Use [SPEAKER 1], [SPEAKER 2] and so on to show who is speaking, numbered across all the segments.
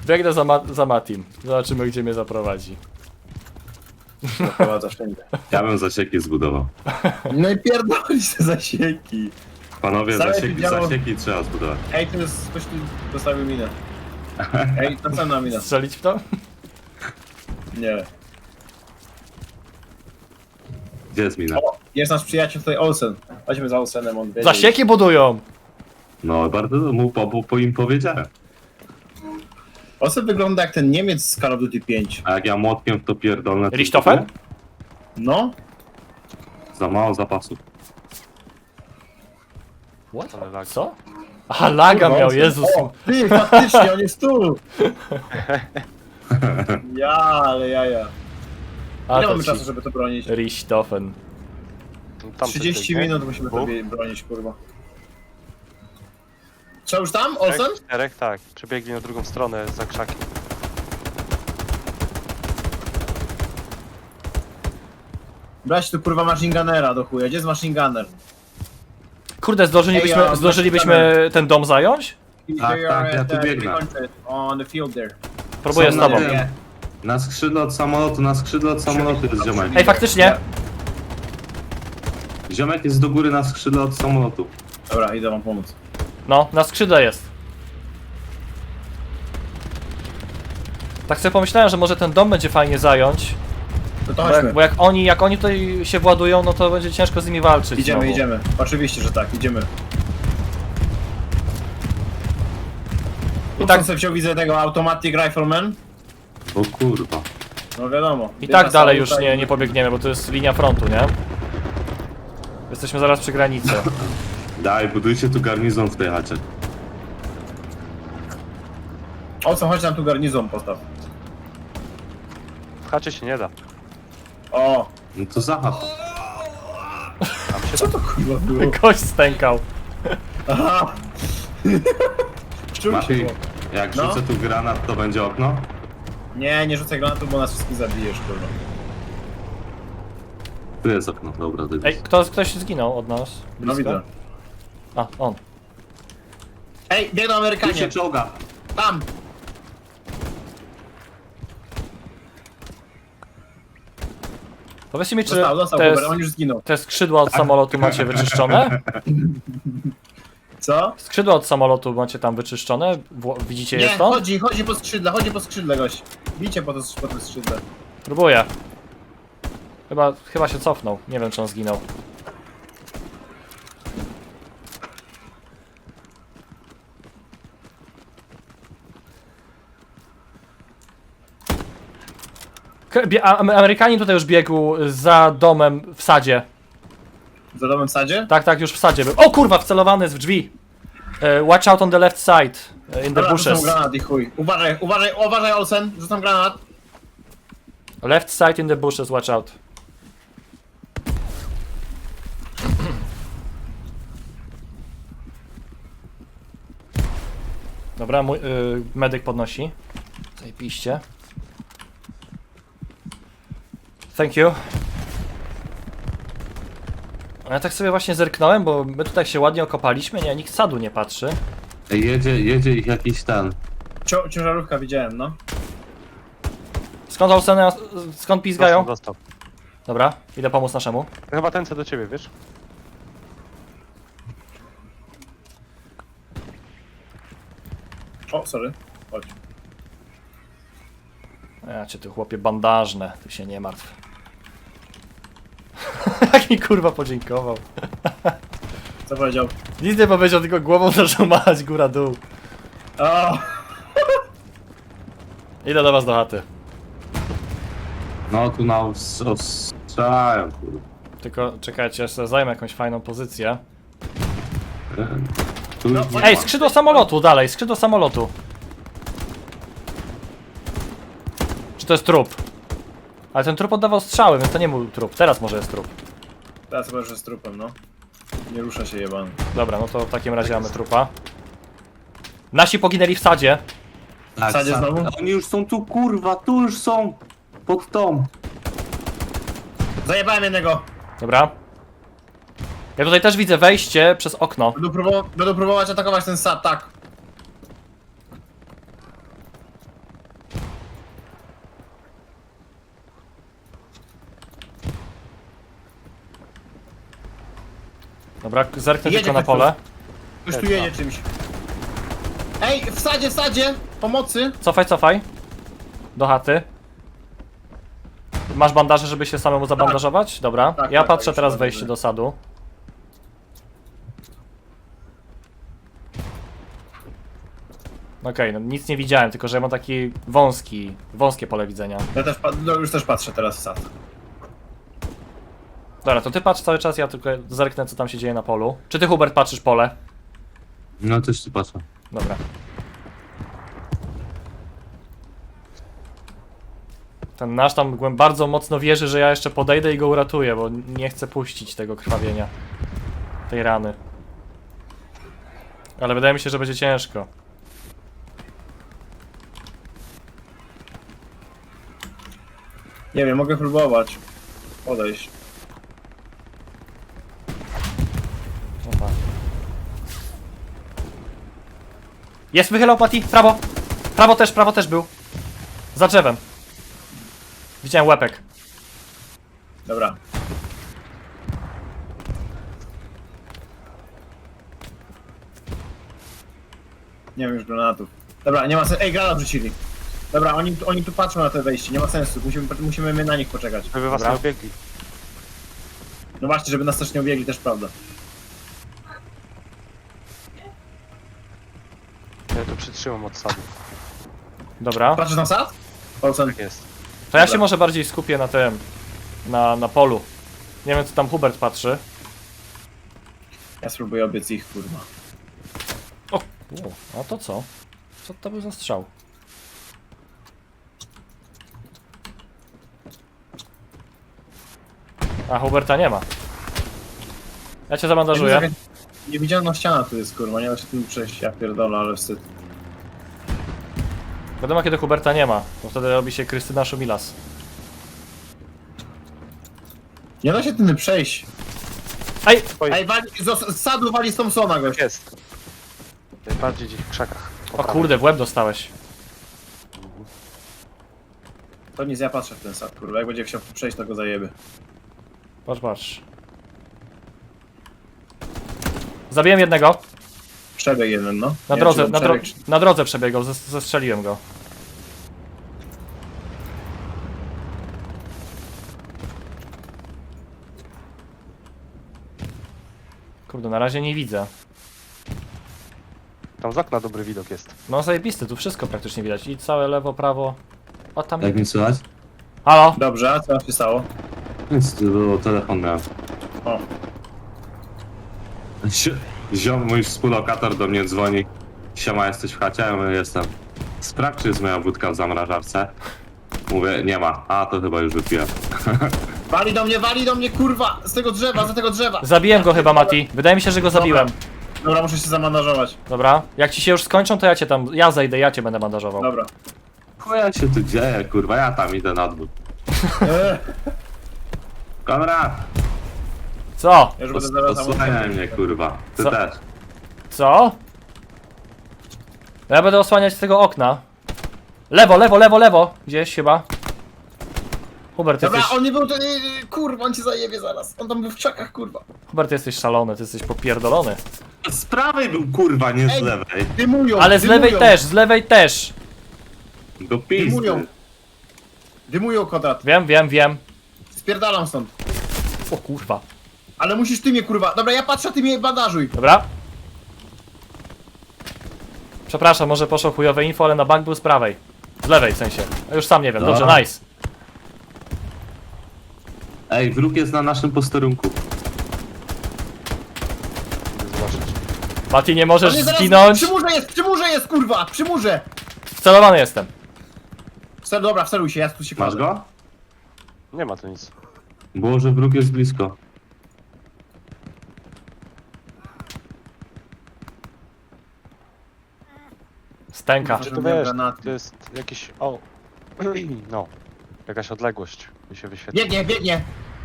[SPEAKER 1] Biegnę za Matim. Zobaczymy, gdzie mnie zaprowadzi.
[SPEAKER 2] Zaprowadza wszędzie.
[SPEAKER 3] Ja bym zasieki zbudował.
[SPEAKER 2] No i pierdolisz te zasieki.
[SPEAKER 3] Panowie,
[SPEAKER 2] Całe
[SPEAKER 3] zasieki,
[SPEAKER 2] działo-
[SPEAKER 3] zasieki trzeba zbudować.
[SPEAKER 2] Ej, tu jest ktoś tu dostawił minę. Ej, następna mina.
[SPEAKER 1] Strzelić w to?
[SPEAKER 2] Nie.
[SPEAKER 3] Gdzie jest mina?
[SPEAKER 2] O, jest nasz przyjaciel tutaj Olsen. Chodźmy za Olsenem, on wiedzie.
[SPEAKER 1] Zasieki budują!
[SPEAKER 3] No, bardzo mu po im powiedziałem.
[SPEAKER 2] Olsen wygląda jak ten Niemiec z Call of Duty 5.
[SPEAKER 3] A jak ja młotkiem w to pierdolę... to
[SPEAKER 1] Richthofen?
[SPEAKER 2] No?
[SPEAKER 3] Za mało zapasów.
[SPEAKER 1] What?
[SPEAKER 4] Ale lag.
[SPEAKER 1] Co? Aha, laga
[SPEAKER 2] Kurwa,
[SPEAKER 1] miał,
[SPEAKER 2] Olsen.
[SPEAKER 1] Jezus.
[SPEAKER 2] O, ty, faktycznie, on jest tu! Ja, ale jaja.
[SPEAKER 1] A
[SPEAKER 2] Ile
[SPEAKER 1] to
[SPEAKER 2] mamy
[SPEAKER 1] ci
[SPEAKER 2] czasu, żeby to bronić?
[SPEAKER 1] Richthofen.
[SPEAKER 4] Tam
[SPEAKER 2] 30 minut musimy to bronić, kurwa. Co, już tam, Olsen?
[SPEAKER 4] Czterech, tak. Przebiegli na drugą stronę za krzakiem.
[SPEAKER 2] Brać tu kurwa machine gunnera do chuja. Gdzie jest machine gunner?
[SPEAKER 1] Kurde,
[SPEAKER 2] Ej, ja
[SPEAKER 1] zdążylibyśmy ten dom zająć?
[SPEAKER 3] Tak,
[SPEAKER 2] They
[SPEAKER 3] tak,
[SPEAKER 2] are
[SPEAKER 3] ja
[SPEAKER 2] at
[SPEAKER 3] tu
[SPEAKER 2] the
[SPEAKER 3] biegnę.
[SPEAKER 2] country, on the field there.
[SPEAKER 1] Próbuję
[SPEAKER 3] Są
[SPEAKER 1] z
[SPEAKER 3] na
[SPEAKER 1] tobą.
[SPEAKER 3] tym. Na skrzydle od samolotu jest ziomek.
[SPEAKER 1] Ej, faktycznie!
[SPEAKER 3] Ziomek jest do góry na skrzydle od samolotu.
[SPEAKER 2] Dobra, idę wam pomóc.
[SPEAKER 1] No, na skrzydle jest. Tak sobie pomyślałem, że może ten dom będzie fajnie zająć.
[SPEAKER 2] No to
[SPEAKER 1] Bo
[SPEAKER 2] chodźmy.
[SPEAKER 1] jak oni tutaj się władują, no to będzie ciężko z nimi walczyć.
[SPEAKER 2] Idziemy,
[SPEAKER 1] znowu.
[SPEAKER 2] idziemy. Oczywiście, że tak, idziemy.
[SPEAKER 1] I
[SPEAKER 2] I
[SPEAKER 1] tak-
[SPEAKER 2] tak sobie wziął, widzę tego Automatic Rifleman.
[SPEAKER 3] O kurwa.
[SPEAKER 2] No wiadomo.
[SPEAKER 1] I
[SPEAKER 2] Jedna
[SPEAKER 1] tak dalej
[SPEAKER 2] saluta
[SPEAKER 1] już
[SPEAKER 2] i-
[SPEAKER 1] nie pobiegniemy, bo to jest linia frontu, nie? Jesteśmy zaraz przy granicy.
[SPEAKER 3] Daj, budujcie tu garnizon w tej chacie.
[SPEAKER 2] O co, chodź nam tu garnizon postaw.
[SPEAKER 4] W chacie się nie da.
[SPEAKER 2] O!
[SPEAKER 3] No to za chatą.
[SPEAKER 2] Co to kurwa było?
[SPEAKER 1] Gość stękał.
[SPEAKER 2] Aha! Czuł się,
[SPEAKER 3] Mati,
[SPEAKER 2] bo...
[SPEAKER 3] jak
[SPEAKER 2] No.
[SPEAKER 3] rzucę tu granat, to będzie okno?
[SPEAKER 2] Nie rzucaj granatu, bo nas wszystkich zabijesz, kurwa.
[SPEAKER 3] Tu jest okno, dobra. To
[SPEAKER 1] Ej, ktoś zginął od nas.
[SPEAKER 2] No
[SPEAKER 1] Blisko?
[SPEAKER 2] widzę.
[SPEAKER 1] A, on.
[SPEAKER 2] Ej, biegną
[SPEAKER 3] Tu
[SPEAKER 2] Amerykanie!
[SPEAKER 3] się czołga.
[SPEAKER 2] Tam!
[SPEAKER 1] Powiedzcie mi, czy
[SPEAKER 2] Dostał, Kuber, on już zginął.
[SPEAKER 1] te skrzydła od samolotu macie wyczyszczone?
[SPEAKER 2] Co?
[SPEAKER 1] Skrzydła od samolotu macie tam wyczyszczone? Widzicie je
[SPEAKER 2] Nie,
[SPEAKER 1] stąd?
[SPEAKER 2] chodzi po skrzydle, gość. Bicie po to skrzydle.
[SPEAKER 1] Próbuję. Chyba się cofnął. Nie wiem, czy on zginął. Amerykanin tutaj już biegł za domem w sadzie.
[SPEAKER 2] Za domem w sadzie?
[SPEAKER 1] Tak, już w sadzie był. O kurwa, wcelowany jest w drzwi. Watch out on the left side. In the
[SPEAKER 2] Dobra, rzucam
[SPEAKER 1] bushes.
[SPEAKER 2] granat i chuj. Uważaj Olsen, rzucam granat.
[SPEAKER 1] Left side in the bushes, watch out. Dobra, mój medyk podnosi. Zajebiście. Thank you. A ja tak sobie właśnie zerknąłem, bo my tutaj się ładnie okopaliśmy, nie, nikt z sadu nie patrzy.
[SPEAKER 3] Ej, jedzie ich jakiś ten.
[SPEAKER 2] Ciężarówka widziałem, no.
[SPEAKER 1] Skąd pizgają?
[SPEAKER 4] Dostał.
[SPEAKER 1] Dobra, idę pomóc naszemu.
[SPEAKER 4] To chyba ten co do ciebie, wiesz?
[SPEAKER 2] O, sorry. Chodź.
[SPEAKER 1] Ja cię ty chłopie bandażne, ty się nie martw. Jak mi kurwa podziękował.
[SPEAKER 2] Co powiedział?
[SPEAKER 1] Nic nie powiedział, tylko głową zaczął machać góra-dół.
[SPEAKER 2] O!
[SPEAKER 1] Idę do was do chaty.
[SPEAKER 3] No tu na ostrzelają, kurwa.
[SPEAKER 1] Tylko czekajcie, jeszcze zajmę jakąś fajną pozycję.
[SPEAKER 3] Tu
[SPEAKER 2] No,
[SPEAKER 3] już nie
[SPEAKER 1] Ej,
[SPEAKER 3] ma.
[SPEAKER 1] skrzydło samolotu, dalej, skrzydło samolotu. Czy to jest trup? Ale ten trup oddawał strzały, więc to nie był trup. Teraz może jest trup.
[SPEAKER 2] Teraz chyba, że z trupem, no. Nie rusza się jebany.
[SPEAKER 1] Dobra, no to w takim razie mamy trupa. Nasi poginęli w sadzie.
[SPEAKER 3] Tak,
[SPEAKER 2] w sadzie
[SPEAKER 3] sam-
[SPEAKER 2] znowu?
[SPEAKER 3] Oni już są tu, kurwa, tu już są. Pod tą.
[SPEAKER 2] Zajebałem jednego!
[SPEAKER 1] Dobra. Ja tutaj też widzę wejście przez okno.
[SPEAKER 2] Będę próbować atakować ten sad, tak.
[SPEAKER 1] Dobra, zerknę
[SPEAKER 2] Jedzie
[SPEAKER 1] tylko na
[SPEAKER 2] ktoś
[SPEAKER 1] pole.
[SPEAKER 2] Ktoś tu jedzie czymś. Ej, w sadzie! Pomocy!
[SPEAKER 1] Cofaj. Do chaty. Masz bandaże, żeby się samemu zabandażować? Dobra.
[SPEAKER 2] Tak,
[SPEAKER 1] Ja
[SPEAKER 2] tak,
[SPEAKER 1] patrzę
[SPEAKER 2] już
[SPEAKER 1] teraz
[SPEAKER 2] mam,
[SPEAKER 1] wejście
[SPEAKER 2] dobrze.
[SPEAKER 1] do sadu. Okej, no nic nie widziałem, tylko że ja mam taki wąskie pole widzenia.
[SPEAKER 2] Ja też, już też patrzę teraz w sad.
[SPEAKER 1] Dobra, to ty patrz cały czas, ja tylko zerknę co tam się dzieje na polu. Czy ty, Hubert, patrzysz pole?
[SPEAKER 3] No też tu patrzę.
[SPEAKER 1] Dobra. Ten nasz tam bardzo mocno wierzy, że ja jeszcze podejdę i go uratuję, bo nie chcę puścić tego krwawienia. Tej rany. Ale wydaje mi się, że będzie ciężko.
[SPEAKER 2] Nie wiem, mogę próbować. Podejść.
[SPEAKER 1] Opa. Jest, wychylał Patty, prawo! Prawo też był. Za drzewem. Widziałem łepek.
[SPEAKER 2] Dobra. Nie wiem już granatów. Dobra, nie ma sensu. Ej, granat wrzucili. Dobra, oni tu patrzą na te wejście, nie ma sensu. Musimy my na nich poczekać.
[SPEAKER 4] Żeby was
[SPEAKER 1] Dobra.
[SPEAKER 4] nie obiegli.
[SPEAKER 2] No właśnie, żeby nas też nie ubiegli, też prawda.
[SPEAKER 4] Ja tu przytrzymam od sadu.
[SPEAKER 1] Dobra.
[SPEAKER 2] Patrzysz na sad? Olsen.
[SPEAKER 4] Tak jest.
[SPEAKER 1] To ja się
[SPEAKER 2] Dobra.
[SPEAKER 1] może bardziej skupię na tym. Na polu. Nie wiem co tam Hubert patrzy.
[SPEAKER 2] Ja spróbuję obiec ich, kurwa.
[SPEAKER 1] O, a to co? Co to był za strzał? A Huberta nie ma. Ja cię zabandażuję.
[SPEAKER 2] Niewidzialna ściana tu jest, kurwa, nie da się tym przejść, ja pierdolę, ale wstyd.
[SPEAKER 1] Wiadomo kiedy Huberta nie ma, bo wtedy robi się Krystyna Szumilas.
[SPEAKER 2] Nie da się tym przejść.
[SPEAKER 1] Ej!
[SPEAKER 2] Ej, z sadu wali z Thompsona, gość.
[SPEAKER 4] Jest. Najbardziej gdzieś w krzakach. Po
[SPEAKER 1] O
[SPEAKER 4] prawej.
[SPEAKER 1] kurde, w łeb dostałeś.
[SPEAKER 2] To nic, ja patrzę w ten sad, kurwa, jak będzie chciał przejść, to go zajebie.
[SPEAKER 1] Patrz. Zabiłem jednego.
[SPEAKER 2] Przebieg jeden, no.
[SPEAKER 1] Na
[SPEAKER 2] Nie
[SPEAKER 1] drodze,
[SPEAKER 2] wiem, czy on przebiegł,
[SPEAKER 1] na drodze przebiegał, zestrzeliłem go. Kurde, na razie nie widzę.
[SPEAKER 4] Tam z okna dobry widok jest.
[SPEAKER 1] No zajebisty, tu wszystko praktycznie widać. I całe lewo, prawo. O tam.
[SPEAKER 3] Jak mi słychać?
[SPEAKER 1] Halo?
[SPEAKER 2] Dobrze, a co się stało?
[SPEAKER 3] Nic, to było telefon miałem.
[SPEAKER 2] O,
[SPEAKER 3] Ziom, mój współlokator do mnie dzwoni. Siema, jesteś w chacie? Ja mówię, jestem. Sprawdź, czy jest moja wódka w zamrażarce. Mówię, nie ma. A, to chyba już wypiłem.
[SPEAKER 2] wali do mnie, kurwa! Z tego drzewa, za tego drzewa!
[SPEAKER 1] Zabiłem go chyba, Mati. Wydaje mi się, że go zabiłem.
[SPEAKER 2] Dobra, muszę się zamandażować.
[SPEAKER 1] Dobra. Jak ci się już skończą, to ja zejdę, ja cię będę bandażował.
[SPEAKER 2] Dobra.
[SPEAKER 3] Chuja się tu dzieje, kurwa, ja tam idę na dwór. Konrad!
[SPEAKER 1] Co?
[SPEAKER 2] Ja już będę zaraz
[SPEAKER 3] Posłuchaj mnie, kurwa. Ty
[SPEAKER 1] Co?
[SPEAKER 3] też.
[SPEAKER 1] Co? Ja będę osłaniać z tego okna. Lewo. Gdzieś chyba. Hubert,
[SPEAKER 2] Dobra,
[SPEAKER 1] jesteś...
[SPEAKER 2] on nie był ten... Kurwa, on cię zajebie zaraz. On tam był w krzakach, kurwa.
[SPEAKER 1] Hubert, jesteś szalony, ty jesteś popierdolony.
[SPEAKER 3] Z prawej był, kurwa, nie z
[SPEAKER 2] Ej.
[SPEAKER 3] lewej.
[SPEAKER 2] Dymują,
[SPEAKER 1] Ale z lewej też.
[SPEAKER 3] Do pizdy.
[SPEAKER 2] Dymują. Dymują, Kodrat.
[SPEAKER 1] Wiem.
[SPEAKER 2] Spierdalam stąd.
[SPEAKER 1] O kurwa.
[SPEAKER 2] Ale musisz ty mnie, kurwa. Dobra, ja patrzę, ty mnie bandażuj.
[SPEAKER 1] Dobra. Przepraszam, może poszło chujowe info, ale na bank był z prawej. Z lewej w sensie. Ja już sam nie wiem. Dobrze,
[SPEAKER 3] Dobra.
[SPEAKER 1] nice.
[SPEAKER 3] Ej, wróg jest na naszym posterunku.
[SPEAKER 4] Idę zobaczyć.
[SPEAKER 1] Mati, nie możesz
[SPEAKER 2] On jest zaraz-
[SPEAKER 1] zginąć.
[SPEAKER 2] Przy murze jest, kurwa! Przy murze!
[SPEAKER 1] Wcelowany jestem.
[SPEAKER 2] Dobra, wceluj się, ja tu się
[SPEAKER 3] Masz
[SPEAKER 2] kładę.
[SPEAKER 3] go?
[SPEAKER 4] Nie ma tu nic.
[SPEAKER 3] Było, że wróg jest blisko.
[SPEAKER 1] Stęka.
[SPEAKER 2] Kurwa.
[SPEAKER 4] Czy to
[SPEAKER 2] miał
[SPEAKER 4] wiesz,
[SPEAKER 2] granaty.
[SPEAKER 4] to jest jakiś... O! No. Jakaś odległość mi się wyświetla.
[SPEAKER 2] Biegnie!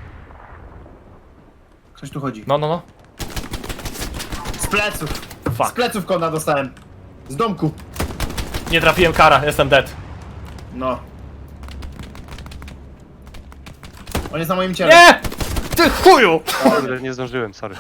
[SPEAKER 2] Ktoś tu chodzi.
[SPEAKER 1] No.
[SPEAKER 2] Z pleców! Z
[SPEAKER 1] Fuck.
[SPEAKER 2] pleców kona dostałem. Z domku.
[SPEAKER 1] Nie trafiłem kara, jestem dead.
[SPEAKER 2] No. On jest na moim ciele.
[SPEAKER 1] Nie! Ty chuju!
[SPEAKER 4] Kurde, nie zdążyłem, sorry.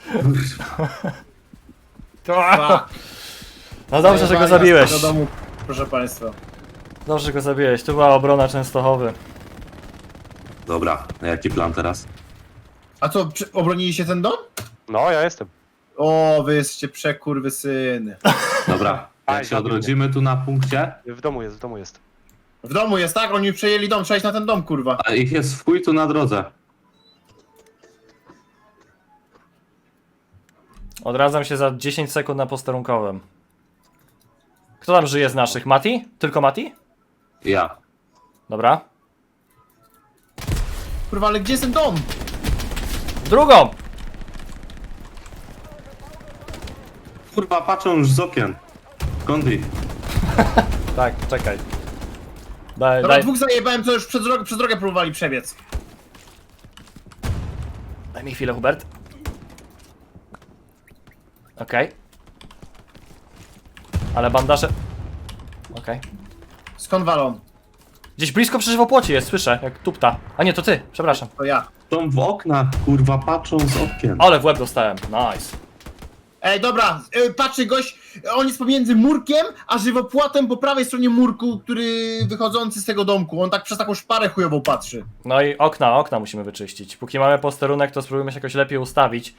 [SPEAKER 2] Fuck.
[SPEAKER 1] No dobrze, że go
[SPEAKER 2] Zajebali nas
[SPEAKER 1] zabiłeś.
[SPEAKER 2] Do domu, proszę państwa.
[SPEAKER 1] Dobrze, że go zabiłeś. Tu była obrona Częstochowy.
[SPEAKER 3] Dobra, a jaki plan teraz?
[SPEAKER 2] A co, obroniliście ten dom?
[SPEAKER 4] No, ja jestem.
[SPEAKER 2] O, wy jesteście przekurwysyny.
[SPEAKER 3] Dobra,
[SPEAKER 4] Aj,
[SPEAKER 3] jak się
[SPEAKER 4] zabił mnie.
[SPEAKER 3] odrodzimy tu na punkcie,
[SPEAKER 4] W domu jest, w domu jest.
[SPEAKER 2] W domu jest, tak? Oni przejęli dom, trzeba iść na ten dom, kurwa.
[SPEAKER 3] a ich jest w chuj tu na drodze.
[SPEAKER 1] Odradzam się za 10 sekund na posterunkowym. Kto tam żyje z naszych? Mati? Tylko Mati?
[SPEAKER 3] Ja.
[SPEAKER 1] Dobra.
[SPEAKER 2] Kurwa, ale gdzie jest ten dom?
[SPEAKER 1] Drugą!
[SPEAKER 3] Kurwa, patrzą już z okien. Skąd ich?
[SPEAKER 1] Tak, czekaj. Daj,
[SPEAKER 2] Dobra,
[SPEAKER 1] daj,
[SPEAKER 2] dwóch zajebałem, co już przez drogę próbowali przebiec.
[SPEAKER 1] daj mi chwilę, Hubert. Okej. Ale bandaże... Okej.
[SPEAKER 2] Skąd walą?
[SPEAKER 1] Gdzieś blisko przy żywopłocie jest, słyszę, jak tupta. A nie, to ty, przepraszam.
[SPEAKER 2] To ja.
[SPEAKER 3] Są w oknach, kurwa, patrzą z okien.
[SPEAKER 1] Ale w łeb dostałem, nice.
[SPEAKER 2] Ej, dobra, patrzy gość, on jest pomiędzy murkiem, a żywopłotem po prawej stronie murku, który wychodzący z tego domku. On tak przez taką szparę chujową patrzy.
[SPEAKER 1] No i okna musimy wyczyścić. Póki mamy posterunek, to spróbujmy się jakoś lepiej ustawić.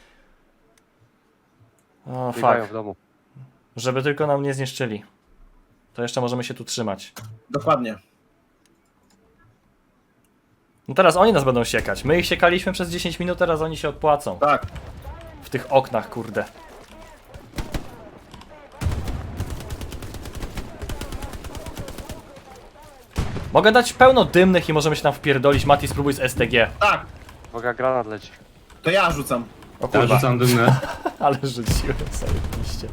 [SPEAKER 1] O,
[SPEAKER 4] Biegają
[SPEAKER 1] fuck.
[SPEAKER 4] w domu.
[SPEAKER 1] Żeby tylko nam nie zniszczyli. To jeszcze możemy się tu trzymać.
[SPEAKER 2] Dokładnie.
[SPEAKER 1] No teraz oni nas będą siekać. My ich siekaliśmy przez 10 minut, teraz oni się odpłacą.
[SPEAKER 2] Tak.
[SPEAKER 1] W tych oknach, kurde. Mogę dać pełno dymnych i możemy się tam wpierdolić. Mati, spróbuj z STG.
[SPEAKER 2] Tak,
[SPEAKER 4] Uwaga, granat leci.
[SPEAKER 2] to ja rzucam.
[SPEAKER 1] O
[SPEAKER 3] Ja
[SPEAKER 1] kurwa,
[SPEAKER 3] rzucam dymne.
[SPEAKER 1] ale rzuciłem sobie liście.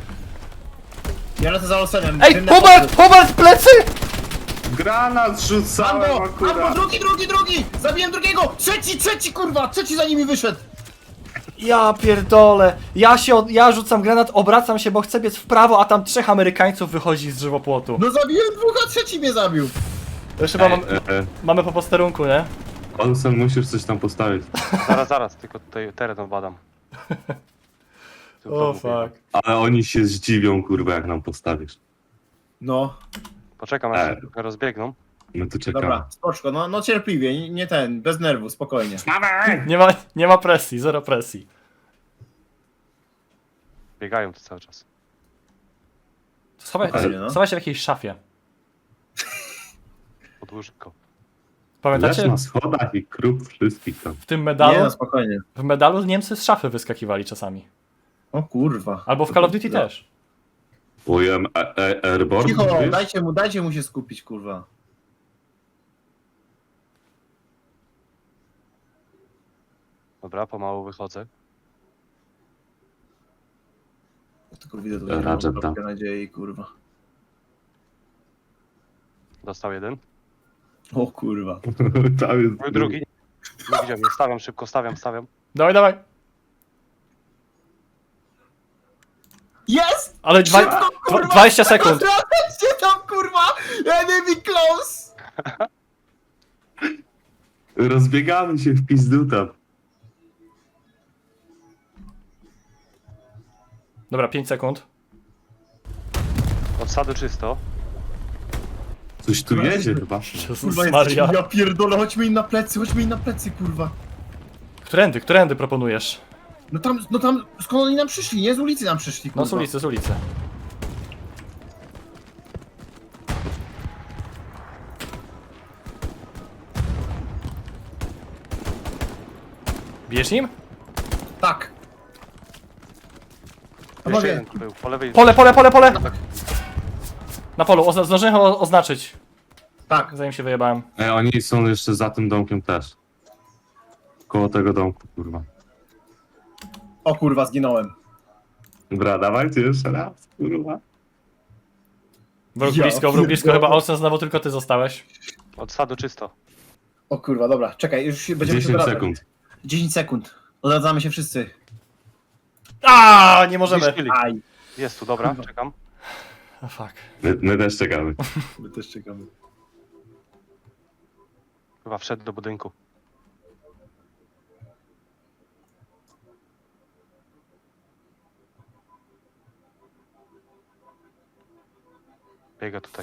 [SPEAKER 2] Ja lecę za losenem.
[SPEAKER 1] Ej, Hubert, plecy!
[SPEAKER 3] Granat rzucałem
[SPEAKER 2] Ambo,
[SPEAKER 3] akurat.
[SPEAKER 2] drugi! Zabiłem drugiego! Trzeci, kurwa! Trzeci za nimi wyszedł!
[SPEAKER 1] Ja pierdolę. Ja rzucam granat, obracam się, bo chcę biec w prawo, a tam 3 Amerykańców wychodzi z żywopłotu.
[SPEAKER 2] No zabiłem dwóch, a trzeci mnie zabił!
[SPEAKER 1] To już chyba
[SPEAKER 3] Ej,
[SPEAKER 1] mamy po posterunku, nie?
[SPEAKER 3] Olsen, musisz coś tam postawić.
[SPEAKER 4] Zaraz, tylko tutaj teren obadam. Tu w
[SPEAKER 1] O
[SPEAKER 4] domu
[SPEAKER 1] fuck.
[SPEAKER 4] biegam.
[SPEAKER 3] Ale oni się zdziwią, kurwa, jak nam postawisz.
[SPEAKER 2] No,
[SPEAKER 4] Poczekam, aż się trochę rozbiegną.
[SPEAKER 3] My tu czekamy.
[SPEAKER 2] dobra, spoczko, no cierpliwie, nie ten, bez nerwu, spokojnie.
[SPEAKER 1] Nie ma presji, zero presji.
[SPEAKER 4] Biegają tu cały czas.
[SPEAKER 1] Schowaj
[SPEAKER 2] Spokojnie, no.
[SPEAKER 1] schowaj się w jakiejś szafie.
[SPEAKER 4] Pod łóżko.
[SPEAKER 3] Leż
[SPEAKER 1] Pamiętacie
[SPEAKER 3] na schodach i krób wszystkich tam.
[SPEAKER 1] w tym
[SPEAKER 2] Nie,
[SPEAKER 1] medalu?
[SPEAKER 2] no spokojnie.
[SPEAKER 1] W medalu Niemcy z szafy wyskakiwali czasami.
[SPEAKER 2] O kurwa.
[SPEAKER 1] Albo w Call of Duty też.
[SPEAKER 3] Ujem Airborne,
[SPEAKER 2] Cicho,
[SPEAKER 3] wiesz?
[SPEAKER 2] dajcie mu się skupić, kurwa.
[SPEAKER 4] Dobra, pomału wychodzę.
[SPEAKER 2] Tylko widzę tutaj
[SPEAKER 3] Ratchet
[SPEAKER 2] mam
[SPEAKER 3] tam.
[SPEAKER 2] trochę nadziei, kurwa.
[SPEAKER 4] Dostał jeden.
[SPEAKER 2] O kurwa.
[SPEAKER 3] Tam jest
[SPEAKER 4] Był drugi. Nie widziałem, nie stawiam szybko, stawiam.
[SPEAKER 1] Dawaj.
[SPEAKER 2] Jest!
[SPEAKER 1] Ale
[SPEAKER 2] Szybko, kurwa!
[SPEAKER 1] 20 sekund.
[SPEAKER 2] Gdzie tam, kurwa? Enemy close!
[SPEAKER 3] Rozbiegamy się w pizduta.
[SPEAKER 1] Dobra, 5 sekund.
[SPEAKER 4] Od sadu czysto.
[SPEAKER 3] Coś tu jedzie chyba.
[SPEAKER 1] Jezus
[SPEAKER 2] Kurwa,
[SPEAKER 1] Maria.
[SPEAKER 2] ja pierdolę, chodźmy im na plecy, kurwa.
[SPEAKER 1] Którędy proponujesz?
[SPEAKER 2] No tam, skąd oni nam przyszli, nie? Z ulicy nam przyszli, kurwa.
[SPEAKER 1] No z ulicy. Bijesz nim?
[SPEAKER 2] Tak.
[SPEAKER 4] Jeszcze
[SPEAKER 2] Panowie,
[SPEAKER 4] jeden tu był, po lewej.
[SPEAKER 1] Pole! Na polu, zdążyłem oznaczyć,
[SPEAKER 2] tak.
[SPEAKER 1] zanim się wyjebałem.
[SPEAKER 3] Oni są jeszcze za tym domkiem też. Koło tego domku, kurwa.
[SPEAKER 2] O kurwa, zginąłem.
[SPEAKER 3] Dobra, dawajcie jeszcze raz, kurwa.
[SPEAKER 1] Wróg
[SPEAKER 2] Ja
[SPEAKER 1] blisko,
[SPEAKER 2] pierdolę.
[SPEAKER 1] chyba Olsen znowu tylko ty zostałeś.
[SPEAKER 4] Od sadu czysto.
[SPEAKER 2] O kurwa, dobra, czekaj, już się będziemy
[SPEAKER 3] 10
[SPEAKER 2] odradzać.
[SPEAKER 3] sekund.
[SPEAKER 2] 10 sekund. Odradzamy się wszyscy.
[SPEAKER 1] Nie możemy.
[SPEAKER 4] Zniszczyli.
[SPEAKER 2] Aj.
[SPEAKER 4] Jest tu, dobra, czekam.
[SPEAKER 1] Oh, fuck.
[SPEAKER 3] My też czekamy.
[SPEAKER 2] My też czekamy.
[SPEAKER 4] Chyba wszedł do budynku. Biega tutaj.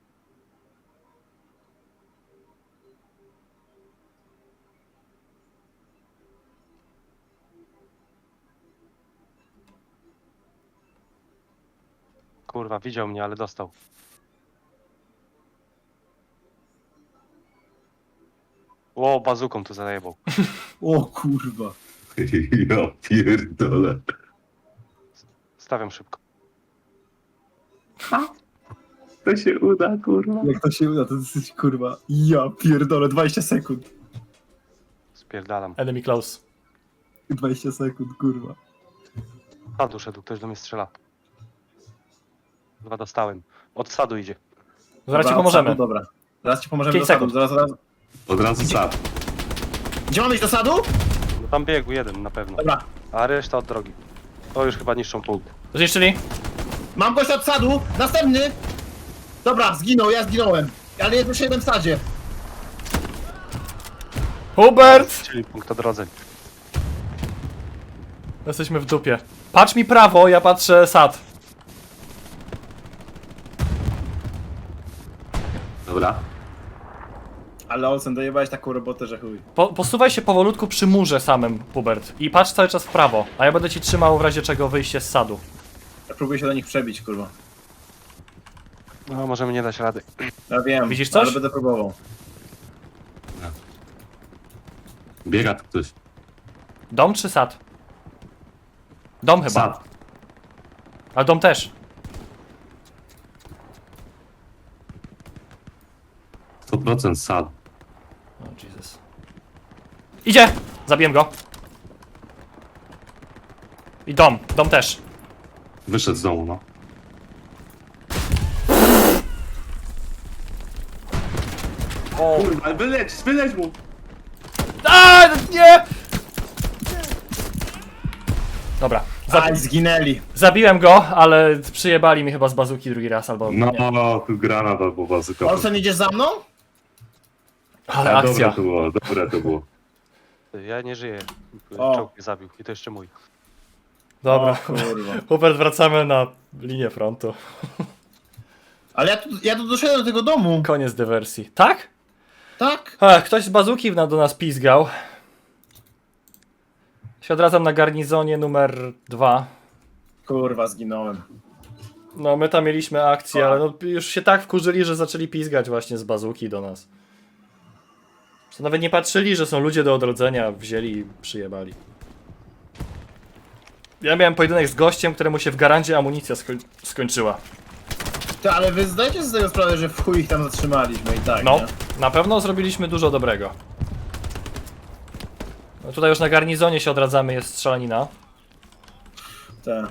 [SPEAKER 4] Kurwa, widział mnie, ale dostał. Ło, bazuką tu zajebał.
[SPEAKER 2] O kurwa.
[SPEAKER 3] Ja pierdolę.
[SPEAKER 4] Stawiam szybko.
[SPEAKER 3] To się uda, kurwa.
[SPEAKER 2] Jak to się uda, to dosyć kurwa. Ja pierdolę, 20 sekund.
[SPEAKER 4] Spierdalam.
[SPEAKER 1] Enemy close.
[SPEAKER 2] 20 sekund, kurwa.
[SPEAKER 4] Sadu szedł, ktoś do mnie strzela. Chyba dostałem. Od sadu idzie.
[SPEAKER 1] Zaraz ci
[SPEAKER 2] Dobra,
[SPEAKER 1] pomożemy.
[SPEAKER 2] od sadu, dobra. Zaraz ci pomożemy
[SPEAKER 1] 5
[SPEAKER 2] do sadu.
[SPEAKER 1] sekund.
[SPEAKER 2] Zaraz.
[SPEAKER 3] Od razu sad.
[SPEAKER 2] Gdzie mamy iść do sadu?
[SPEAKER 4] No tam biegł jeden na pewno.
[SPEAKER 2] Dobra.
[SPEAKER 4] A reszta od drogi. To już chyba niszczą punkt.
[SPEAKER 1] Zniszczyli?
[SPEAKER 2] Mam gość od sadu. Następny. Dobra, zginął, ja zginąłem. Ale jest jeszcze jeden w sadzie.
[SPEAKER 1] Hubert!
[SPEAKER 4] Czyli punkt odrodzeń.
[SPEAKER 1] Jesteśmy w dupie. Patrz mi prawo, ja patrzę sad.
[SPEAKER 3] Dobra.
[SPEAKER 2] Ale Olsen, dojebałeś taką robotę, że chuj.
[SPEAKER 1] Posuwaj się powolutku przy murze samym, Hubert. I patrz cały czas w prawo, a ja będę ci trzymał w razie czego wyjście z sadu.
[SPEAKER 2] Ja próbuję się do nich przebić, kurwa.
[SPEAKER 4] No, możemy nie dać rady.
[SPEAKER 2] Ja wiem,
[SPEAKER 1] Widzisz coś?
[SPEAKER 2] ale będę próbował.
[SPEAKER 3] Biega tu ktoś.
[SPEAKER 1] Dom czy sad? Dom chyba.
[SPEAKER 3] Sad.
[SPEAKER 1] A dom też.
[SPEAKER 3] 100% sad.
[SPEAKER 1] O Jesus. Idzie! Zabiłem go. I dom też.
[SPEAKER 3] Wyszedł z domu, no.
[SPEAKER 1] O.
[SPEAKER 3] Kurwa, wyleć mu!
[SPEAKER 1] A, nie! Dobra.
[SPEAKER 2] Aj, zginęli.
[SPEAKER 1] Zabiłem go, ale przyjebali mi chyba z bazuki drugi raz albo nie.
[SPEAKER 3] No, tu granat albo bazyka.
[SPEAKER 2] Olsen, idziesz za mną?
[SPEAKER 1] Ale
[SPEAKER 3] Dobre
[SPEAKER 1] akcja.
[SPEAKER 3] to było, dobre to było.
[SPEAKER 4] Ja nie żyję.
[SPEAKER 2] O.
[SPEAKER 4] Czołg mnie zabił i to jeszcze mój.
[SPEAKER 1] Dobra.
[SPEAKER 2] O, kurwa.
[SPEAKER 1] Hubert, wracamy na linię frontu.
[SPEAKER 2] Ale ja tu doszedłem do tego domu.
[SPEAKER 1] Koniec dywersji. Tak?
[SPEAKER 2] Tak?
[SPEAKER 1] Ach, ktoś z bazuki do nas pizgał. Się odradzam na garnizonie numer 2.
[SPEAKER 2] Kurwa, zginąłem.
[SPEAKER 1] No, my tam mieliśmy akcję, ale no, już się tak wkurzyli, że zaczęli pizgać właśnie z bazuki do nas. To nawet nie patrzyli, że są ludzie do odrodzenia, wzięli i przyjebali. Ja miałem pojedynek z gościem, któremu się w garandzie amunicja skończyła.
[SPEAKER 2] Ty, ale wy zdajecie sobie z tego sprawę, że w chuj ich tam zatrzymaliśmy i tak,
[SPEAKER 1] No,
[SPEAKER 2] nie?
[SPEAKER 1] na pewno zrobiliśmy dużo dobrego. No tutaj już na garnizonie się odradzamy, jest strzelanina.
[SPEAKER 2] Tak.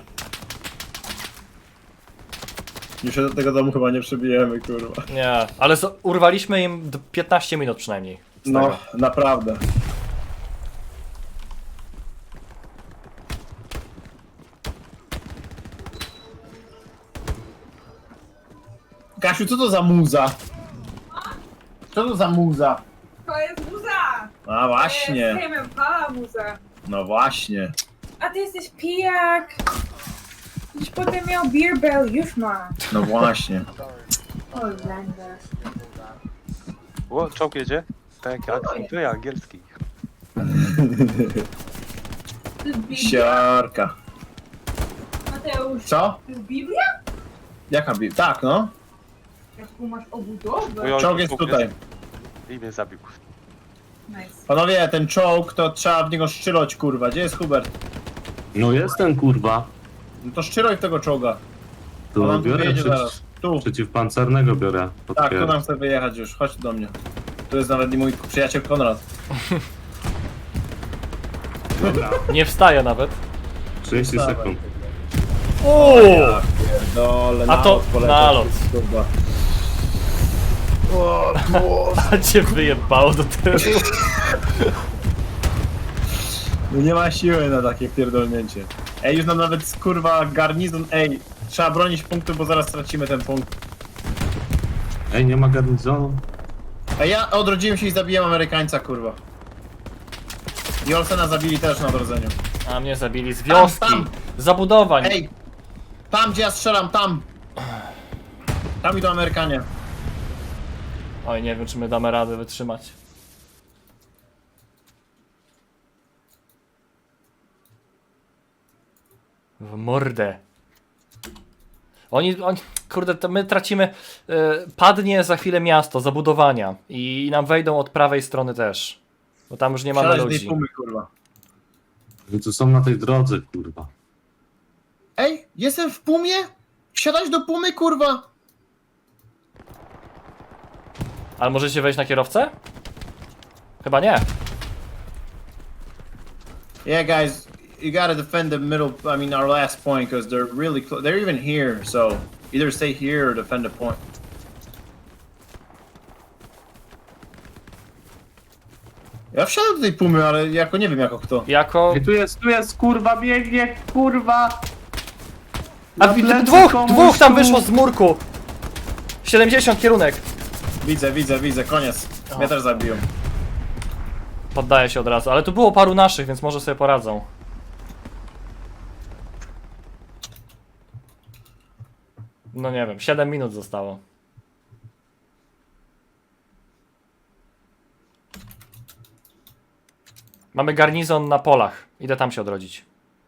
[SPEAKER 2] Już się do tego domu chyba nie przebijemy, kurwa.
[SPEAKER 1] Nie, ale urwaliśmy im 15 minut przynajmniej. Z
[SPEAKER 2] No,
[SPEAKER 1] tego.
[SPEAKER 2] naprawdę. Kasiu, co to za muza? Co to za muza?
[SPEAKER 5] To jest muza!
[SPEAKER 2] A właśnie,
[SPEAKER 5] To jest Impala muza.
[SPEAKER 2] no właśnie.
[SPEAKER 5] A ty jesteś pijak! Już potem miał beer bell, już ma.
[SPEAKER 2] No właśnie.
[SPEAKER 5] O, Landa.
[SPEAKER 4] O, czołg jedzie? Tak, to ja, angielski.
[SPEAKER 5] To jest Biblia?
[SPEAKER 2] Siarka.
[SPEAKER 5] Mateusz,
[SPEAKER 2] Co?
[SPEAKER 5] to jest Biblia?
[SPEAKER 2] Jaka bi... Tak, no.
[SPEAKER 5] Jaką masz obudowę?
[SPEAKER 4] Oj,
[SPEAKER 2] Czołg jest tutaj.
[SPEAKER 4] I mnie zabił.
[SPEAKER 5] Nice.
[SPEAKER 2] Panowie, ten czołg to trzeba w niego szczylać, kurwa. Gdzie jest Hubert?
[SPEAKER 3] No jestem, kurwa.
[SPEAKER 2] No to szczyloj w tego czołga.
[SPEAKER 3] Tu
[SPEAKER 2] On tu
[SPEAKER 3] biorę
[SPEAKER 2] wyjedzie zaraz. Tu.
[SPEAKER 3] przeciwpancernego biorę.
[SPEAKER 2] Tak, tu nam chce wyjechać już. Chodź do mnie. Tu jest nawet i mój przyjaciel Konrad.
[SPEAKER 3] Dobra,
[SPEAKER 1] Nie wstaje nawet.
[SPEAKER 3] 30
[SPEAKER 2] Dawaj.
[SPEAKER 3] sekund.
[SPEAKER 1] Uuu!
[SPEAKER 2] Dole,
[SPEAKER 1] A to nalot.
[SPEAKER 2] Kurwa.
[SPEAKER 1] A cię wyjebało do tyłu.
[SPEAKER 2] No nie ma siły na takie pierdolnięcie. Ej, już nam nawet kurwa garnizon. Ej, trzeba bronić punktu, bo zaraz stracimy ten punkt.
[SPEAKER 3] Ej, nie ma garnizonu?
[SPEAKER 2] Ej, ja odrodziłem się i zabiłem Amerykańca, kurwa. I Olsena zabili też na odrodzeniu.
[SPEAKER 1] A mnie zabili z wioski.
[SPEAKER 2] Tam.
[SPEAKER 1] Zabudowań.
[SPEAKER 2] Ej! Tam, gdzie ja strzelam, tam! Tam idą Amerykanie.
[SPEAKER 1] Oj, nie wiem, czy my damy radę wytrzymać. W mordę. Oni, kurde, to my tracimy, padnie za chwilę miasto, zabudowania i nam wejdą od prawej strony też. Bo tam już nie mamy
[SPEAKER 2] Wsiadać do tej
[SPEAKER 1] ludzi.
[SPEAKER 2] pumy, kurwa.
[SPEAKER 3] Oni tu są na tej drodze, kurwa.
[SPEAKER 2] Ej, jestem w pumie? Wsiadać do pumy, kurwa!
[SPEAKER 1] Ale możecie wejść na kierowcę? Chyba nie.
[SPEAKER 2] Yeah, guys, you gotta defend the middle, I mean our last point, because they're really close. They're even here, so either stay here or defend the point. Ja wsiadam do tej pumy, ale jako nie wiem jako kto.
[SPEAKER 1] Jako...
[SPEAKER 3] I tu jest, kurwa, biegnie, kurwa.
[SPEAKER 1] A
[SPEAKER 3] Na plecy
[SPEAKER 1] dwóch
[SPEAKER 3] komuś
[SPEAKER 1] tam
[SPEAKER 3] tu.
[SPEAKER 1] wyszło z murku! 70 kierunek.
[SPEAKER 2] Widzę, koniec. Mnie też zabiją.
[SPEAKER 1] Poddaję się od razu, ale tu było paru naszych, więc może sobie poradzą. No nie wiem, 7 minut zostało. Mamy garnizon na polach. Idę tam się odrodzić.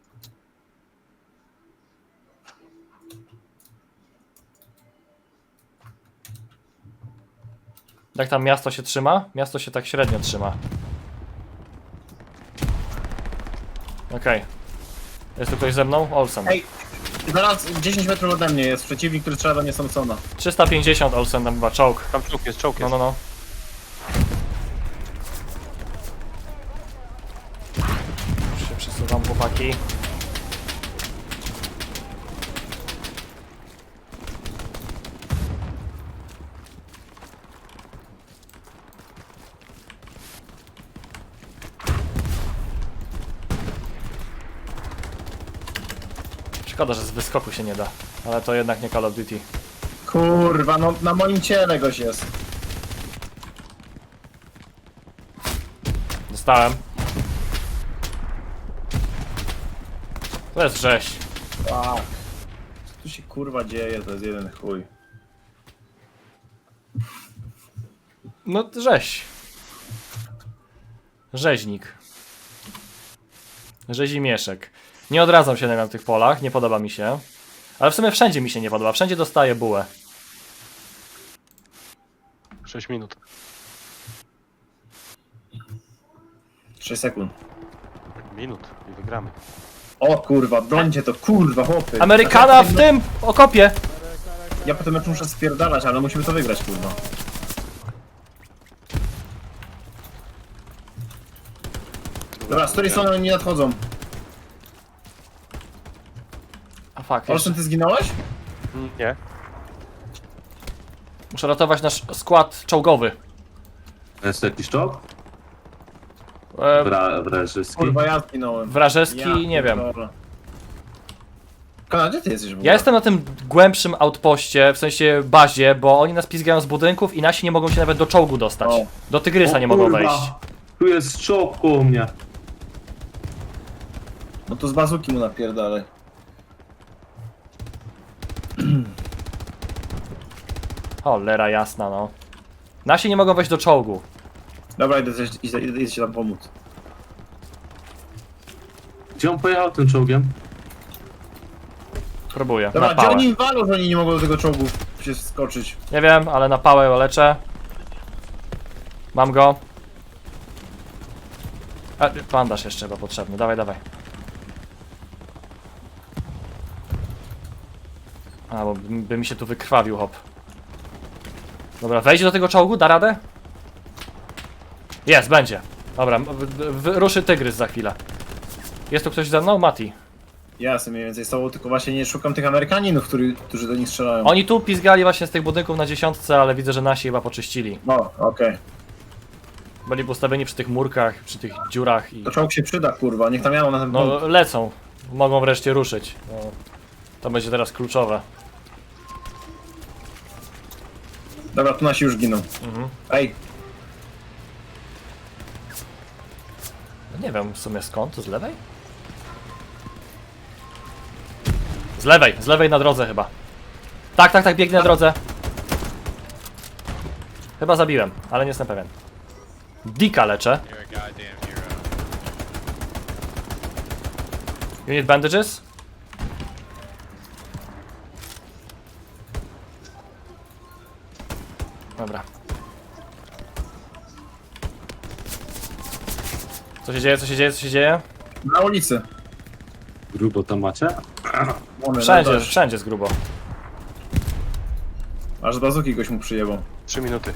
[SPEAKER 1] Jak tam miasto się trzyma? Miasto się tak średnio trzyma. Okej. Jest tu ktoś ze mną? Olsen.
[SPEAKER 2] Ej, zaraz 10 metrów ode mnie jest przeciwnik, który strzela do mnie Samsona.
[SPEAKER 1] 350 Olsen tam chyba, czołg.
[SPEAKER 4] Tam czołg jest, czołg
[SPEAKER 1] No,
[SPEAKER 4] jest.
[SPEAKER 1] no, no. Już się przesuwam, chłopaki. Szkoda, że z wyskoku się nie da, ale to jednak nie Call of Duty.
[SPEAKER 2] Kurwa, no na moim ciele goś jest.
[SPEAKER 1] Dostałem. To jest rzeź.
[SPEAKER 2] Fuck. Co tu się kurwa dzieje, to jest jeden chuj.
[SPEAKER 1] No rzeź. Rzeźnik. Rzezimieszek. Nie odradzam się na tych polach, nie podoba mi się. Ale w sumie wszędzie mi się nie podoba, wszędzie dostaję bułę.
[SPEAKER 4] 6 minut.
[SPEAKER 2] 6 sekund.
[SPEAKER 4] Minut i wygramy.
[SPEAKER 2] O kurwa, brońcie to, kurwa, chłopy.
[SPEAKER 1] Amerykana w tym okopie!
[SPEAKER 2] Ja potem meczu muszę spierdalać, ale musimy to wygrać, kurwa. Dobra, z której strony oni nie nadchodzą?
[SPEAKER 1] A fuck, jeszcze.
[SPEAKER 2] Olsen, ty zginąłeś?
[SPEAKER 4] Nie.
[SPEAKER 1] Muszę ratować nasz skład czołgowy.
[SPEAKER 3] Jest jakiś czołg? Wrażyski.
[SPEAKER 2] Kurwa, ja zginąłem.
[SPEAKER 1] Wrażeski, nie wiem.
[SPEAKER 2] pierdolę. Konrad, gdzie ty jesteś w ogóle?
[SPEAKER 1] Ja jestem na tym głębszym outpoście, w sensie bazie, bo oni nas pizgają z budynków i nasi nie mogą się nawet do czołgu dostać.
[SPEAKER 2] O.
[SPEAKER 1] Do Tygrysa nie mogą wejść.
[SPEAKER 3] Tu jest czołg koło mnie.
[SPEAKER 2] No to z bazuki mu napierdalaj.
[SPEAKER 1] Cholera jasna, no. Nasi nie mogą wejść do czołgu.
[SPEAKER 2] Dobra, idę ci tam pomóc.
[SPEAKER 3] Gdzie on pojechał tym czołgiem?
[SPEAKER 1] Próbuję,
[SPEAKER 2] Dobra,
[SPEAKER 1] na
[SPEAKER 2] gdzie
[SPEAKER 1] pałę.
[SPEAKER 2] oni im walą, że oni nie mogą do tego czołgu się skoczyć?
[SPEAKER 1] Nie wiem, ale na pałę leczę. Mam go. A, bandaż jeszcze chyba potrzebny, dawaj, dawaj. A, bo by mi się tu wykrwawił, hop. Dobra, wejdzie do tego czołgu, da radę? Jest, będzie. Dobra, ruszy Tygrys za chwilę. Jest tu ktoś ze mną? Mati.
[SPEAKER 2] Ja jestem mniej więcej z tobą, tylko właśnie nie szukam tych Amerykaninów, którzy do nich strzelają.
[SPEAKER 1] Oni tu pizgali właśnie z tych budynków na 10, ale widzę, że nasi chyba poczyścili.
[SPEAKER 2] No, okej.
[SPEAKER 1] Byli postawieni przy tych murkach, przy tych dziurach i...
[SPEAKER 2] To czołg się przyda, kurwa, niech tam jadą na ten punkt.
[SPEAKER 1] No lecą. Mogą wreszcie ruszyć. No, to będzie teraz kluczowe.
[SPEAKER 2] Dobra, tu nasi już giną. Ej,
[SPEAKER 1] No nie wiem w sumie skąd, to z lewej? Z lewej na drodze chyba. Tak, biegnę na drodze. Chyba zabiłem, ale nie jestem pewien. Dika leczę.
[SPEAKER 6] You're a goddamn hero.
[SPEAKER 1] You need bandages? Dobra. Co się dzieje, co się dzieje, co się dzieje?
[SPEAKER 2] Na ulicy.
[SPEAKER 3] Grubo to macie?
[SPEAKER 2] Mamy,
[SPEAKER 1] Wszędzie,
[SPEAKER 2] no też.
[SPEAKER 1] wszędzie jest grubo.
[SPEAKER 2] Aż z bazuki goś mu przyjebał.
[SPEAKER 4] 3 minuty.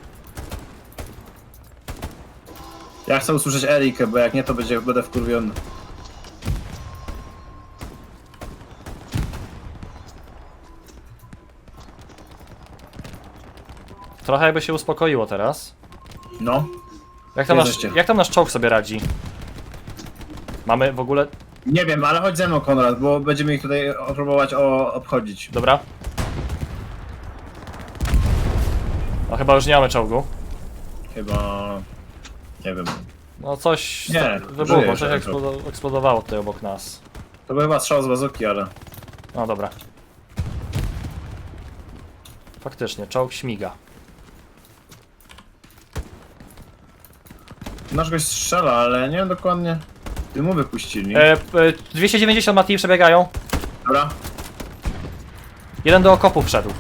[SPEAKER 2] Ja chcę usłyszeć Erikę, bo jak nie, to będę wkurwiony.
[SPEAKER 1] Trochę jakby się uspokoiło teraz.
[SPEAKER 2] No.
[SPEAKER 1] Jak
[SPEAKER 2] Bierzecie.
[SPEAKER 1] tam nasz czołg sobie radzi? Mamy w ogóle...
[SPEAKER 2] Nie wiem, ale chodź ze mną, Konrad, bo będziemy ich tutaj próbować obchodzić.
[SPEAKER 1] Dobra. No chyba już nie mamy czołgu.
[SPEAKER 2] Chyba... Nie wiem.
[SPEAKER 1] No coś
[SPEAKER 2] Nie,
[SPEAKER 1] wybuchło,
[SPEAKER 2] żyje
[SPEAKER 1] coś
[SPEAKER 2] ten
[SPEAKER 1] eksplodowało tutaj obok nas.
[SPEAKER 2] To był chyba strzał z bazuki, ale...
[SPEAKER 1] No dobra. Faktycznie, czołg śmiga.
[SPEAKER 2] Nasz gość strzela, ale nie wiem dokładnie... Dymu wypuścili.
[SPEAKER 1] 290 Mati przebiegają.
[SPEAKER 2] Dobra.
[SPEAKER 1] Jeden do okopu wszedł.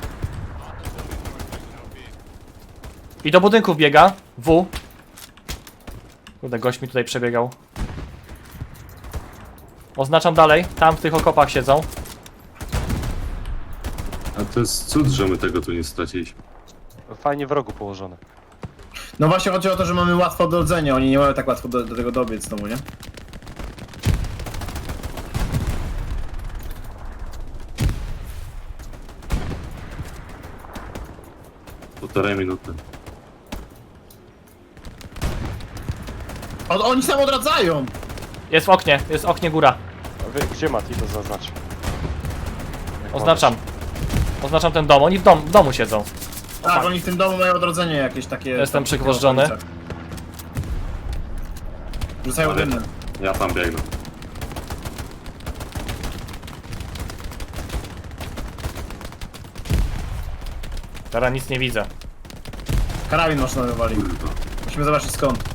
[SPEAKER 1] I do budynków biega. W. Kurde, gość mi tutaj przebiegał. Oznaczam dalej. Tam w tych okopach siedzą.
[SPEAKER 3] A to jest cud, że my tego tu nie straciliśmy.
[SPEAKER 4] Fajnie w rogu położone.
[SPEAKER 2] No właśnie chodzi o to, że mamy łatwo do rodzenia, oni nie mają tak łatwo do tego dobiec znowu, nie?
[SPEAKER 3] Półtorej minuty.
[SPEAKER 2] Oni sam odradzają!
[SPEAKER 1] Jest w oknie góra.
[SPEAKER 4] A wy, gdzie Mati to zaznacz? Jak
[SPEAKER 1] Oznaczam. Oznaczam ten dom. Oni w domu siedzą.
[SPEAKER 2] Tak, oni w tym domu mają odrodzenie jakieś takie...
[SPEAKER 1] Jestem
[SPEAKER 2] tam,
[SPEAKER 1] przygwożdżony.
[SPEAKER 2] takie okolice. Rzucają
[SPEAKER 3] Ale-
[SPEAKER 2] dymem.
[SPEAKER 3] Ja tam biegnę.
[SPEAKER 1] Teraz nic nie widzę.
[SPEAKER 2] Karabin maszynowy wywali.
[SPEAKER 3] Kurwa.
[SPEAKER 2] Musimy zobaczyć skąd.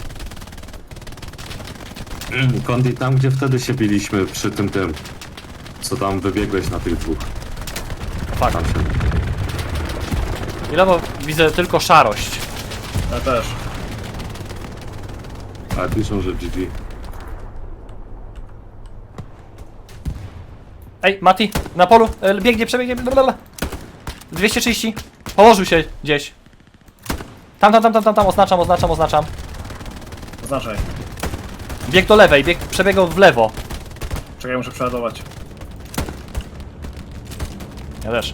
[SPEAKER 3] Kondi, tam gdzie wtedy się biliśmy przy tym, co tam wybiegłeś na tych dwóch.
[SPEAKER 1] Fuck.
[SPEAKER 3] Tam się...
[SPEAKER 1] Ile bo widzę tylko szarość.
[SPEAKER 2] Ja też.
[SPEAKER 3] Ale piszą, że GG.
[SPEAKER 1] Ej, Mati, na polu. Biegnie, przebiegnie. Blablabla. 230. Położył się gdzieś. Tam. Oznaczam.
[SPEAKER 2] Oznaczaj.
[SPEAKER 1] Bieg do lewej, przebiegał w lewo.
[SPEAKER 2] Czekaj, muszę przeładować.
[SPEAKER 1] Ja też.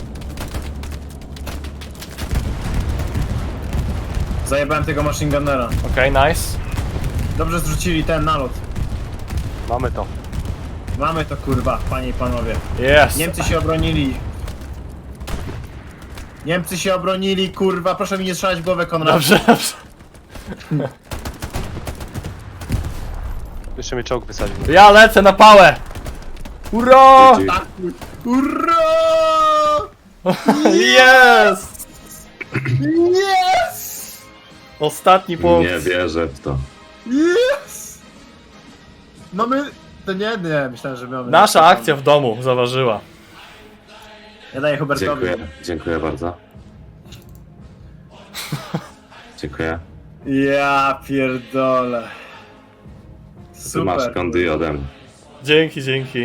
[SPEAKER 2] Zajebałem tego machine gunnera.
[SPEAKER 1] Okej, nice.
[SPEAKER 2] Dobrze zrzucili ten nalot.
[SPEAKER 4] Mamy to.
[SPEAKER 2] Mamy to kurwa, panie i panowie.
[SPEAKER 1] Jest.
[SPEAKER 2] Niemcy się obronili. Niemcy się obronili, kurwa. Proszę mi nie strzelać w głowę, Konrad.
[SPEAKER 1] Dobrze.
[SPEAKER 4] Jeszcze mnie czołg wysadził.
[SPEAKER 1] Ja lecę na pałę. Ura!
[SPEAKER 3] GG.
[SPEAKER 2] Tak, hurra!
[SPEAKER 1] Jest!
[SPEAKER 2] Yes!
[SPEAKER 1] Ostatni punkt.
[SPEAKER 3] Nie wierzę w to.
[SPEAKER 2] Yes! No my... To nie, myślałem, że mamy...
[SPEAKER 1] Nasza akcja w domu zaważyła.
[SPEAKER 2] Ja daję Hubertowi.
[SPEAKER 3] Dziękuję bardzo. Dziękuję.
[SPEAKER 2] Ja pierdolę.
[SPEAKER 3] Ty masz
[SPEAKER 2] Super.
[SPEAKER 3] Kondi ode mnie.
[SPEAKER 1] Dzięki.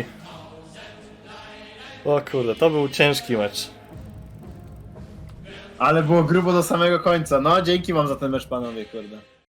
[SPEAKER 1] O kurde, to był ciężki mecz.
[SPEAKER 2] Ale było grubo do samego końca. No, dzięki wam za ten mecz, panowie, kurde.